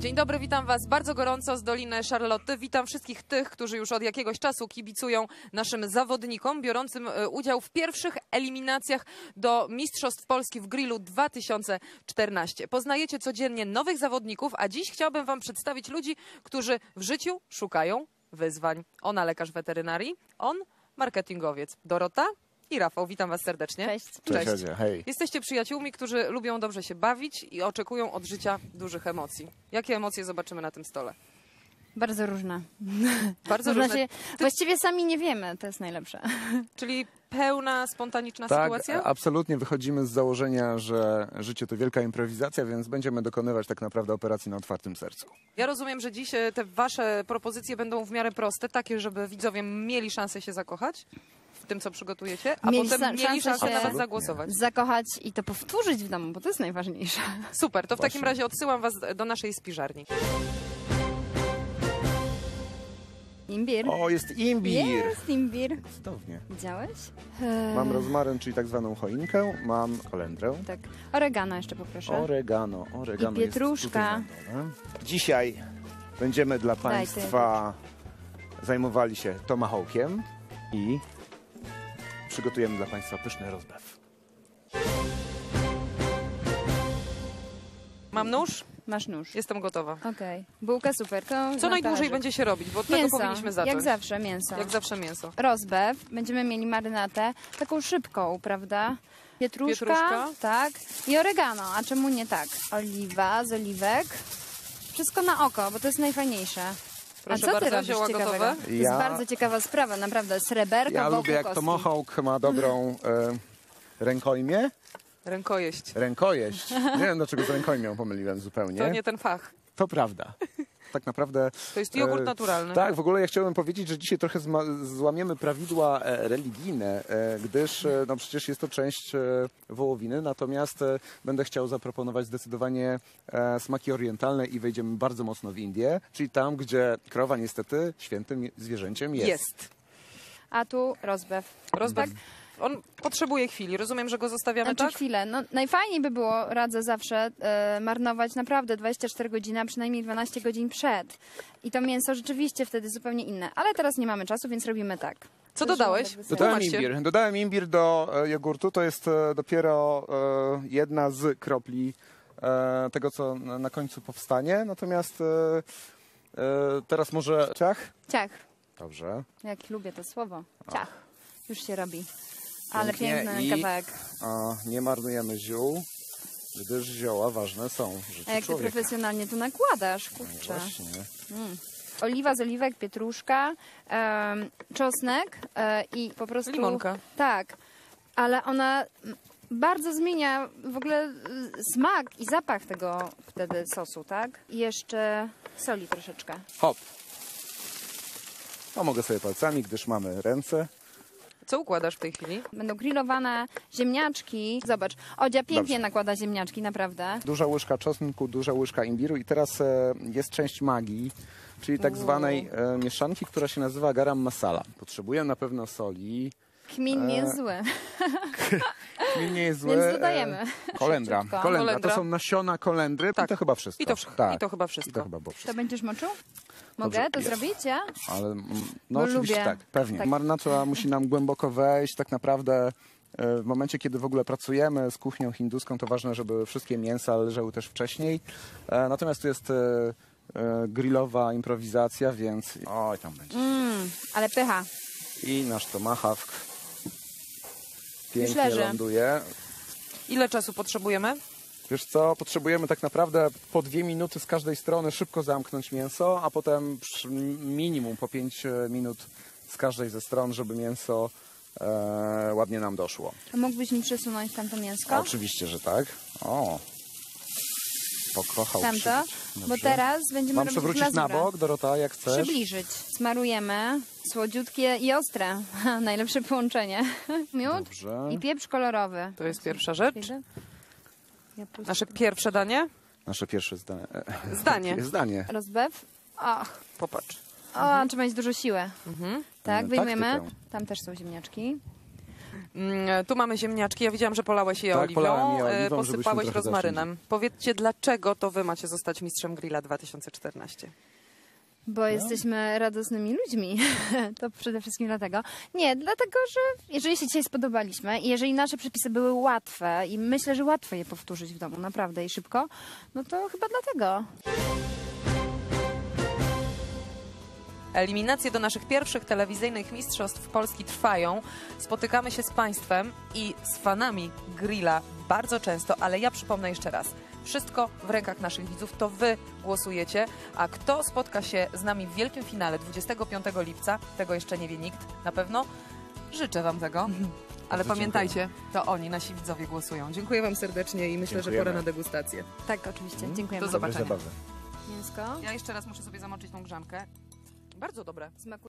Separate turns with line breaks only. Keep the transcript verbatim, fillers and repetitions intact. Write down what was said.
Dzień dobry, witam Was bardzo gorąco z Doliny Charlotte. Witam wszystkich tych, którzy już od jakiegoś czasu kibicują naszym zawodnikom biorącym udział w pierwszych eliminacjach do Mistrzostw Polski w grillu dwa tysiące czternaście. Poznajecie codziennie nowych zawodników, a dziś chciałabym Wam przedstawić ludzi, którzy w życiu szukają wyzwań. Ona lekarz weterynarii, on marketingowiec. Dorota i Rafał, witam Was serdecznie.
Cześć.
Cześć.
Cześć. Hej.
Jesteście przyjaciółmi, którzy lubią dobrze się bawić i oczekują od życia dużych emocji. Jakie emocje zobaczymy na tym stole?
Bardzo różne.
Bardzo
Można
różne.
się, właściwie sami nie wiemy, to jest najlepsze.
Czyli pełna, spontaniczna
Tak,
sytuacja?
absolutnie wychodzimy z założenia, że życie to wielka improwizacja, więc będziemy dokonywać tak naprawdę operacji na otwartym sercu.
Ja rozumiem, że dziś te Wasze propozycje będą w miarę proste, takie, żeby widzowie mieli szansę się zakochać w tym, co przygotujecie, a
Mieli
potem
sa-
mieli
szansę
szansę
się-
na Was
Absolutnie.
zagłosować.
Zakochać i to powtórzyć w domu, bo to jest najważniejsze.
Super, to w takim
Właśnie.
razie odsyłam Was do naszej spiżarni.
Imbir.
O, jest imbir!
Jest imbir.
Cudownie.
Widziałeś?
Mam rozmaryn, czyli tak zwaną choinkę, mam kolendrę.
Tak. Oregano jeszcze poproszę.
Oregano, oregano
I
jest
pietruszka.
tutaj na dole. Dzisiaj będziemy dla
Daj,
Państwa zajmowali się tomahawkiem i przygotujemy dla Państwa pyszny rozbew.
Mam nóż?
Masz nóż.
Jestem gotowa.
Okej. Bułka super. To
Co
na
najdłużej
talerzyk.
będzie się robić? Bo od tego
Mięso.
powinniśmy zacząć.
Jak zawsze mięso.
Jak zawsze mięso.
Rozbew. Będziemy mieli marynatę. Taką szybką, prawda? Pietruszka,
Pietruszka.
tak. I oregano. A czemu nie tak? Oliwa z oliwek. Wszystko na oko, bo to jest najfajniejsze.
Proszę
A co ty
bardzo,
robisz
zioła
ciekawego?
gotowe?
To
Ja-
jest bardzo ciekawa sprawa, naprawdę. Sreberko
Ja
wokół
lubię, jak
kostki.
tomahawk ma dobrą e, rękojmię.
Rękojeść.
Rękojeść. Nie wiem, dlaczego z rękojmią pomyliłem zupełnie.
To nie ten fach.
To prawda. Tak naprawdę.
To jest jogurt
e,
naturalny.
Tak, w ogóle ja chciałbym powiedzieć, że dzisiaj trochę zma- złamiemy prawidła e, religijne, e, gdyż e, no przecież jest to część e, wołowiny, natomiast e, będę chciał zaproponować zdecydowanie e, smaki orientalne i wejdziemy bardzo mocno w Indię, czyli tam, gdzie krowa niestety świętym je- zwierzęciem jest.
Jest.
A tu rozbew.
Rozbew. On potrzebuje chwili. Rozumiem, że go zostawiamy,
Znaczy
tak?
chwilę. No, najfajniej by było, radzę zawsze, e, marnować naprawdę dwadzieścia cztery godziny, a przynajmniej dwanaście godzin przed. I to mięso rzeczywiście wtedy zupełnie inne. Ale teraz nie mamy czasu, więc robimy tak.
Co dodałeś?
Dodałem
Tłumaczcie.
imbir. Dodałem imbir do e, jogurtu. To jest e, dopiero e, jedna z kropli e, tego, co na, na końcu powstanie. Natomiast e, e, teraz może ciach?
Ciach.
Dobrze.
Jak lubię to słowo. Ciach. Już się robi. Ale
Pięknie.
piękny
I-
kawałek.
A nie marnujemy ziół, gdyż zioła ważne są w życiu
A jak ty
człowieka.
profesjonalnie to nakładasz,
No
kurczę.
właśnie.
Oliwa z oliwek, pietruszka, em, czosnek e, i po prostu...
Limonka.
Tak, ale ona mm, bardzo zmienia w ogóle y, smak i zapach tego wtedy sosu, tak? I jeszcze soli troszeczkę.
Hop. No mogę sobie palcami, gdyż mamy ręce.
Co układasz w tej chwili?
Będą grillowane ziemniaczki. Zobacz, Odzia pięknie
Dobrze.
nakłada ziemniaczki, naprawdę.
Duża łyżka czosnku, duża łyżka imbiru i teraz e, jest część magii, czyli tak
Uuu.
zwanej e, mieszanki, która się nazywa garam masala. Potrzebuję na pewno soli.
Kmin nie jest
E,
zły.
Kmin nie jest zły.
Więc dodajemy.
E, kolendra.
Szybciutko.
kolendra.
Kolendra.
To są nasiona kolendry.
Tak.
I to chyba wszystko.
I to, wsz-
tak.
I to chyba
I to
wszystko.
chyba było
To
wszystko.
będziesz moczył? Mogę
Dobrze,
to
jest.
zrobić, ja?
Ale mm, no
Bo
oczywiście
lubię.
tak, pewnie.
Tak.
Marynacja musi nam głęboko wejść. Tak naprawdę e, w momencie, kiedy w ogóle pracujemy z kuchnią hinduską, to ważne, żeby wszystkie mięsa leżały też wcześniej. E, Natomiast tu jest e, e, grillowa improwizacja, więc oj, tam będzie.
Mmm, ale pycha.
I nasz tomahawk pięknie
leży.
ląduje.
Ile czasu potrzebujemy?
Wiesz co, potrzebujemy tak naprawdę po dwie minuty z każdej strony szybko zamknąć mięso, a potem przy minimum po pięć minut z każdej ze stron, żeby mięso e, ładnie nam doszło.
A mógłbyś mi przesunąć tamto mięsko?
Oczywiście, że tak. O, pokochał
Tamto?
przybyć.
Bo
Dobrze.
teraz będziemy
Mam
robić
przewrócić na
glazurę.
bok, Dorota, jak chcesz?
Przybliżyć. Smarujemy. Słodziutkie i ostre. Najlepsze połączenie. Miód
Dobrze.
i pieprz kolorowy.
To jest pierwsza rzecz.
Ja puszczę.
Nasze pierwsze danie.
Nasze pierwsze zdanie.
Zdanie.
Zdanie.
Rozbew. Och,
Popatrz.
o, trzeba mieć dużo siły.
Mhm.
Tak,
E,
wyjmujemy.
taktykę.
Tam też są ziemniaczki.
Mm, Tu mamy ziemniaczki. Ja widziałam, że polałeś je
Tak,
oliwą,
polałem je
e,
oliwą, żebyśmy
posypałeś
trochę
rozmarynem. Powiedzcie, dlaczego to wy macie zostać mistrzem grilla dwa tysiące czternaście?
Bo jesteśmy radosnymi ludźmi. To przede wszystkim dlatego. Nie, dlatego, że jeżeli się dzisiaj spodobaliśmy i jeżeli nasze przepisy były łatwe i myślę, że łatwo je powtórzyć w domu, naprawdę i szybko, no to chyba dlatego.
Eliminacje do naszych pierwszych telewizyjnych mistrzostw Polski trwają. Spotykamy się z Państwem i z fanami grilla bardzo często, ale ja przypomnę jeszcze raz. Wszystko w rękach naszych widzów, to wy głosujecie, a kto spotka się z nami w wielkim finale dwudziestego piątego lipca, tego jeszcze nie wie nikt, na pewno życzę wam tego. Ale
Bardzo
pamiętajcie, to oni, nasi widzowie głosują. Dziękuję wam serdecznie i myślę, że
Dziękujemy.
pora na degustację.
Tak, oczywiście. Dziękujemy.
Do
Dobre
zobaczenia.
zabawy.
Mięsko.
Ja jeszcze raz muszę sobie zamoczyć tą grzankę. Bardzo dobre.
Smakuje.